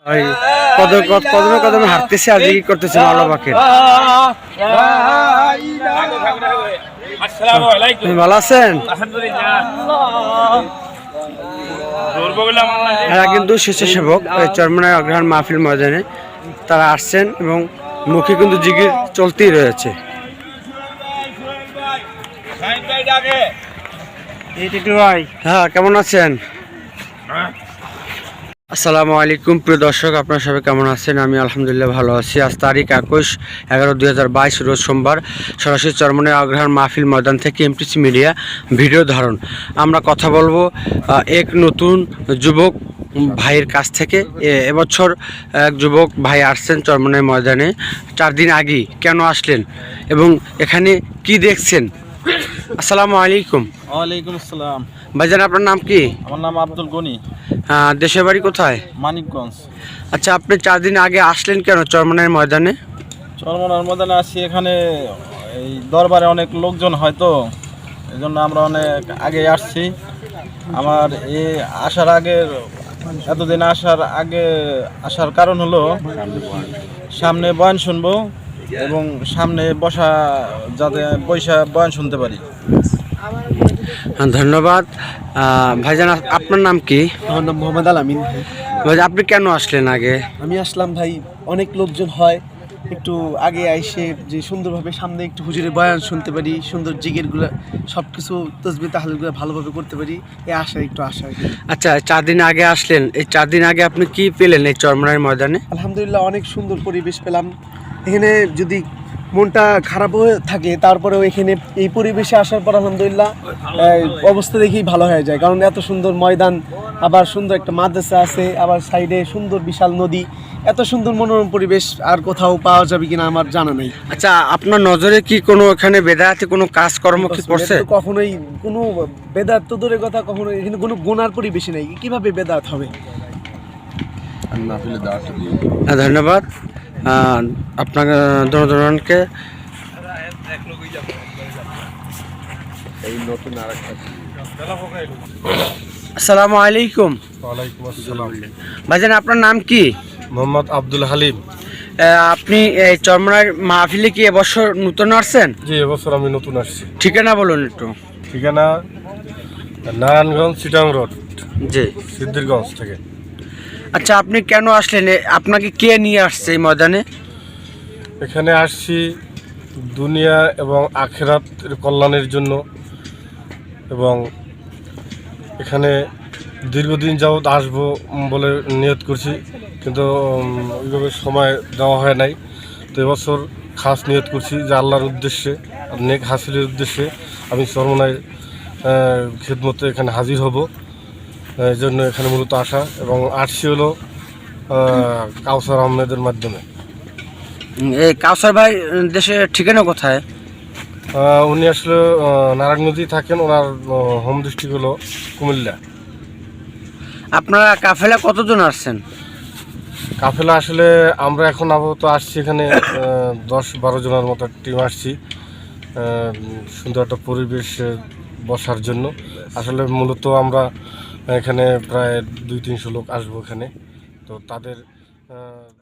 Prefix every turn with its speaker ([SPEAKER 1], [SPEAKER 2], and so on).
[SPEAKER 1] ওই কদমে কদমে হাঁটতেছে আর জিকির করতেছে মাওলা পাকের। তুমি ভালো আছেন? এরা কিন্তু স্বেচ্ছাসেবক চরমনাই অগ্রহায়ণ মাহফিল ময়দানে তারা আসছেন এবং মুখে কিন্তু জিকির চলতেই রয়েছে। হ্যাঁ, কেমন আছেন? আসসালামু আলাইকুম প্রিয় দর্শক, আপনারা সবাই কেমন আছেন? আমি আলহামদুলিল্লাহ ভালো আছি। আজ তারিখ 21/11/2022 রোজ সোমবার, সরাসরি চরমনাই অগ্রহায়ণ মাহফিল ময়দান থেকে এমটিসি মিডিয়া ভিডিও ধারণ। আমরা কথা বলবো এক নতুন যুবক ভাইয়ের কাছ থেকে। এবছর এক যুবক ভাই আসছেন চরমনাই ময়দানে 4 দিন আগে। কেন আসলেন এবং এখানে কি দেখছেন? আসসালামু আলাইকুম।
[SPEAKER 2] ওয়ালাইকুম আসসালাম।
[SPEAKER 1] ভাইজান, আপনার নাম কি?
[SPEAKER 2] আমার নাম আব্দুল গনি।
[SPEAKER 1] দেশের বাড়ি কোথায়?
[SPEAKER 2] মানিকগঞ্জ।
[SPEAKER 1] আচ্ছা, আপনি 4 দিন আগে আসলেন কেন চরমনাই ময়দানে?
[SPEAKER 2] চরমনাই ময়দানে আসি, এখানে এই দরবারে অনেক লোকজন হয় তো, এই জন্য আমরা অনেক আগে আসছি। আমার এই আসার আগের এতদিন আসার কারণ হলো সামনে বয়ান শুনবো এবং সামনে বসা যাতে বয়ান শুনতে পারি।
[SPEAKER 1] ধন্যবাদ। ভাইজান, আপনার নাম কি?
[SPEAKER 3] আমার নাম মোহাম্মদ আল আমিন।
[SPEAKER 1] ভাই, আপনি কেন আসলেন আগে?
[SPEAKER 3] আমি আসলাম ভাই, অনেক লোকজন হয়, একটু আগে আইসে যে সুন্দরভাবে সামনে একটু হুজুরের বয়ান শুনতে পারি, সুন্দর জিকিরগুলো সব কিছু তসবিহ তাহলিলগুলো ভালোভাবে করতে পারি, এই একটু আশা।
[SPEAKER 1] আচ্ছা, 4 দিন আগে আসলেন, এই 4 দিন আগে আপনি কি পেলেন এই চরমনাই ময়দানে?
[SPEAKER 3] আলহামদুলিল্লাহ, অনেক সুন্দর পরিবেশ পেলাম। এখানে যদি মনটা খারাপ হয়ে থাকে তারপরেও এখানে এই পরিবেশে আসার পর আলহামদুলিল্লাহ অবস্থা দেখেই ভালো হয়ে যায়, কারণ এত সুন্দর ময়দান, আবার সুন্দর একটা মাদ্রাসা আছে, আবার সাইডে সুন্দর বিশাল নদী, এত সুন্দর মনোরম পরিবেশ আর কোথাও পাওয়া যাবে কিনা আমার জানা নেই।
[SPEAKER 1] আচ্ছা, আপনার নজরে কি কোনো এখানে বেদায়াতে কোনো কাজকর্ম কি করছে?
[SPEAKER 3] কখনোই কোনো বেদাত তো দূরের কথা, কখনো এখানে কোনো গুনার পরিবেশই নেই, কিভাবে বেদাত হবে?
[SPEAKER 1] ধন্যবাদ আপনাকে জনগণকে। আসসালামু আলাইকুম।
[SPEAKER 4] ওয়ালাইকুম আসসালাম।
[SPEAKER 1] ভাইজান, আপনার নাম কি?
[SPEAKER 4] মোহাম্মদ আব্দুল হালিম।
[SPEAKER 1] আপনি এই চরমনাই মাহফিলে কি এবছর নতুন আসছেন?
[SPEAKER 4] জি, এবছর আমি নতুন আসছি।
[SPEAKER 1] ঠিকানা বলুন একটু।
[SPEAKER 4] ঠিকানা নারায়ণগঞ্জ চিটাং রোড,
[SPEAKER 1] জি,
[SPEAKER 4] সিদ্ধিরগঞ্জ থেকে।
[SPEAKER 1] আচ্ছা, আপনি কেন আসলেন? আপনাকে কে নিয়ে আসছে এই ময়দানে?
[SPEAKER 4] এখানে আসছি দুনিয়া এবং আখিরাতের কল্যাণের জন্য, এবং এখানে দীর্ঘদিন যাবৎ আসবো বলে নিয়ত করছি, কিন্তু ওইভাবে সময় দেওয়া হয় নাই। তো এবছর খাস নিয়ত করছি যে আল্লাহর উদ্দেশ্যে, নেক হাসিলের উদ্দেশ্যে আমি চরমনাই খিদমতে এখানে হাজির হব। এই জন্য এখানে মূলত আসা, এবং আসছি হলো কাউসার আহমেদের মাধ্যমে।
[SPEAKER 1] এই কাউসার ভাই দেশের ঠিকানা কোথায়?
[SPEAKER 4] উনি আসলে নারায়ণগঞ্জেই থাকেন, ওনার হোম ডিস্ট্রিক্ট হলো কুমিল্লা।
[SPEAKER 1] আপনারা কাফেলা কতজন আসছেন?
[SPEAKER 4] কাফেলা আসলে আমরা এখন আপাতত আসছি এখানে 10-12 জনের মতো টিম আসছি, সুন্দর একটা পরিবেশে বসার জন্য। আসলে মূলত আমরা এখানে প্রায় 200-300 লোক আসবো এখানে, তো তাদের